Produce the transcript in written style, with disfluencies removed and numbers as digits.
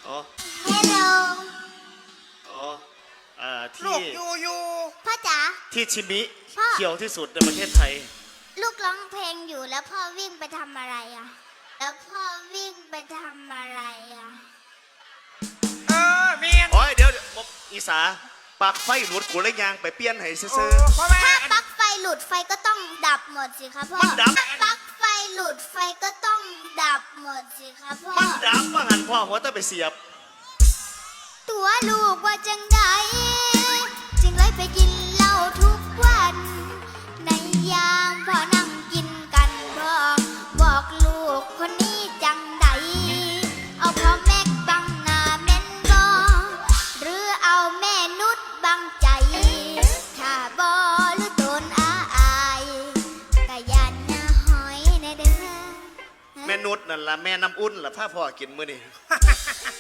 อ๋อ Hello อ๋อลูที่กอยู่พ่อจ๋าที่ชิมิพ่อเขียวที่สุดในประเทศไทยลูกร้องเพลงอยู่แล้วพ่อวิ่งไปทำอะไรอ่ะ แล้วพ่อวิ่งไปทำอะไรอ่ะเมียนโอ้ยเดี๋ยวอีสาปากไฟหลุดกูเลยยางไปเปลี่ยนให้ซื่อเพราะว่าถ้าปลั๊กไฟหลุดไฟก็ต้องดับหมดสิครับพ่อมันดับถ้าปลั๊กไฟหลุดไฟก็ต้องดับหมดสิครับพ่อมันดับว่าหันพ่อหัวต้องไปเสียบตัวลูกว่าจังใดจึงเลยไปกินเหล้าทุกวัน ในยามพ่อนั่งกินกันพ่อบอกลูกคนนี้จังใดเอาพ่อแม่บังหน้าแม่นบ่หรือเอาแม่นุชบังใจ ถ้าบ่หรือโดนอายกะยันนะหอยในเด้อแม่นุชนั่นล่ะแม่น้ำอุ่นล่ะถ้าพ่อกินมื้อนี้